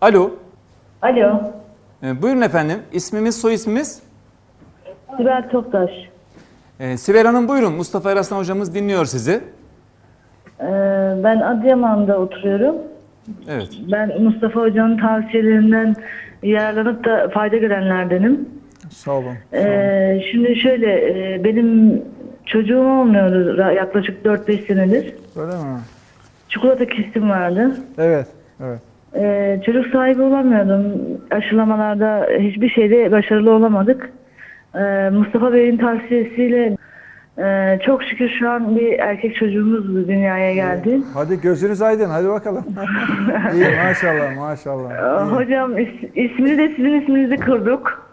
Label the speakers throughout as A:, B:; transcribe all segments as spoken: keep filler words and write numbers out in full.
A: Alo.
B: Alo.
A: Ee, buyurun efendim. İsmimiz, soy ismimiz?
B: Sibel Toptaş.
A: Ee, Sibel Hanım buyurun. Mustafa Eraslan hocamız dinliyor sizi.
B: Ee, ben Adıyaman'da oturuyorum.
A: Evet.
B: Ben Mustafa Hoca'nın tavsiyelerinden yararlanıp da fayda görenlerdenim.
C: Sağ olun. Sağ olun.
B: Ee, şimdi şöyle, e, benim çocuğum olmuyordu ra- yaklaşık dört beş senedir.
C: Öyle mi?
B: Çikolata kistim vardı.
C: Evet. Evet.
B: Ee, çocuk sahibi olamıyordum. Aşılamalarda hiçbir şeyde başarılı olamadık. Ee, Mustafa Bey'in tavsiyesiyle e, çok şükür şu an bir erkek çocuğumuz dünyaya geldi.
C: Hadi gözünüz aydın. Hadi bakalım. İyi maşallah maşallah.
B: Ee,
C: İyi.
B: Hocam is- ismini de sizin isminizi kurduk.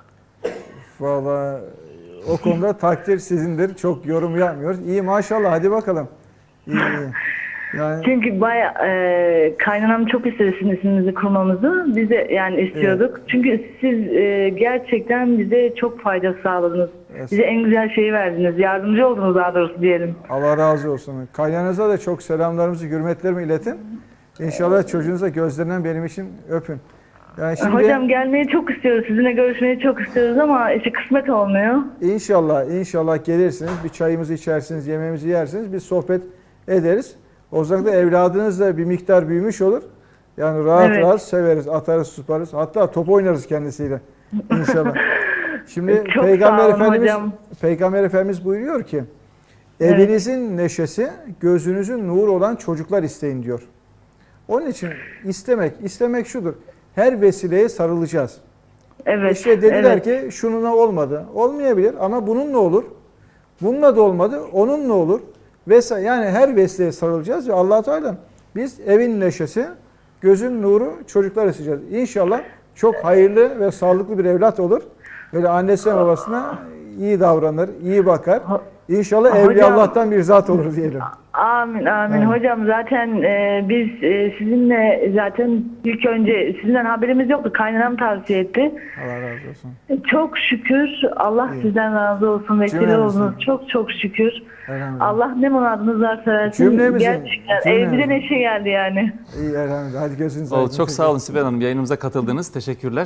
C: Vallahi o konuda takdir sizindir. Çok yorum yapmıyoruz. İyi maşallah. Hadi bakalım. İyi iyi. Yani
B: Çünkü baya e, kaynanam çok istedi sizin isminizi kurmamızı. Biz de yani istiyorduk. Çünkü siz e, gerçekten bize çok fayda sağladınız.
C: Evet.
B: Bize en güzel şeyi verdiniz. Yardımcı oldunuz daha doğrusu diyelim.
C: Allah razı olsun. Kaynanıza da çok selamlarımızı, hürmetlerimi iletin. İnşallah çocuğunuza gözlerinden benim için öpün. Yani şimdi
B: Hocam gelmeyi çok istiyoruz. Sizinle görüşmeyi çok istiyoruz ama işte kısmet olmuyor.
C: İnşallah, inşallah gelirsiniz, bir çayımızı içersiniz, yemeğimizi yersiniz, bir sohbet ederiz. O zaman da evladınız da bir miktar büyümüş olur. Yani rahat
B: Evet.
C: rahat severiz, atarız, tutarız. Hatta top oynarız kendisiyle inşallah. Şimdi
B: Çok
C: Peygamber
B: sağ olun
C: Efendimiz
B: hocam.
C: Peygamber Efendimiz buyuruyor ki
B: Evet.
C: evinizin neşesi, gözünüzün nuru olan çocuklar isteyin diyor. Onun için istemek, istemek şudur. Her vesileye sarılacağız.
B: Evet.
C: İşte dediler
B: evet.
C: ki şununla olmadı. Olmayabilir ama bununla olur. Bununla da olmadı. Onunla olur. Vesaire. Yani her vesileye sarılacağız ve Allah Teala biz evin neşesi, gözün nuru çocuklar isteyeceğiz. İnşallah çok hayırlı ve sağlıklı bir evlat olur. Böyle annesine babasına iyi davranır, iyi bakar. İnşallah
B: Hocam-
C: evli Allah'tan bir zat olur diyelim.
B: Amin amin.
C: Evet.
B: Hocam zaten e, biz e, sizinle zaten ilk önce sizinden haberimiz yoktu. Kaynanam tavsiye etti.
C: Allah razı olsun.
B: Çok şükür Allah
C: İyi.
B: sizden razı olsun. Vesile
C: Cümlemizin.
B: oldunuz. Çok çok şükür.
C: Elhamdülillah.
B: Allah ne muradınız varsa versin.
C: Cümlemizin.
B: Gerçekten
C: Cümlemizin.
B: evimize neşe geldi yani.
C: İyi elhamdülillah. Hadi gözünüz
A: Oldu.
C: aydın.
A: Çok sağ olun Sibel Hanım. Yayınımıza katıldınız. Teşekkürler.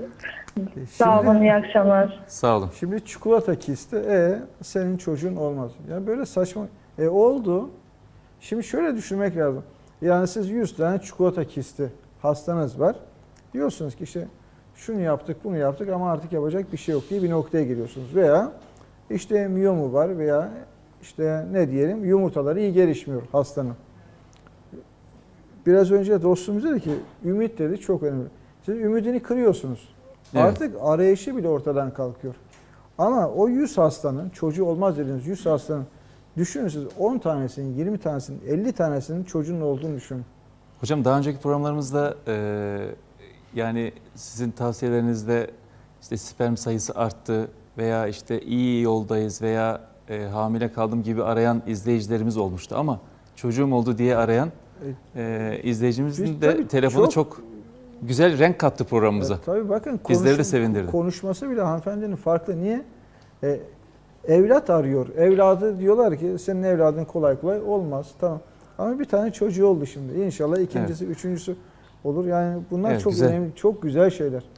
B: Sağ
C: Şimdi-
B: olun, iyi akşamlar.
A: Sağ olun.
C: Şimdi çikolata kisti, e senin çocuğun olmaz. Yani böyle saçma. E oldu. Şimdi şöyle düşünmek lazım. Yani siz yüz tane çikolata kisti hastanız var. Diyorsunuz ki işte şunu yaptık, bunu yaptık ama artık yapacak bir şey yok diye bir noktaya geliyorsunuz. Veya işte miyomu var veya işte ne diyelim yumurtaları iyi gelişmiyor hastanın. Biraz önce dostumuz dedi ki ümit dedi çok önemli. Siz ümidini kırıyorsunuz.
A: Evet.
C: Artık arayışı bile ortadan kalkıyor. Ama o yüz hastanın, çocuğu olmaz dediğiniz yüz hastanın düşünün siz on tanesinin, yirmi tanesinin, elli tanesinin çocuğunun olduğunu düşünün.
A: Hocam daha önceki programlarımızda e, yani sizin tavsiyelerinizde işte sperm sayısı arttı veya işte iyi yoldayız veya e, hamile kaldım gibi arayan izleyicilerimiz olmuştu ama çocuğum oldu diye arayan e, izleyicimizin
C: Biz
A: de
C: tabii
A: telefonu çok,
C: çok-
A: güzel renk kattı programımıza.
C: Evet, tabii bakın
A: Bizleri de
C: konuşum-
A: sevindirdi.
C: konuşması bile hanımefendinin farklı. Niye? E, evlat arıyor. Evladı diyorlar ki senin evladın kolay kolay olmaz. Tamam. Ama bir tane çocuğu oldu şimdi. İnşallah ikincisi, üçüncüsü olur. Yani bunlar
A: Evet,
C: çok
A: güzel.
C: önemli, çok güzel şeyler.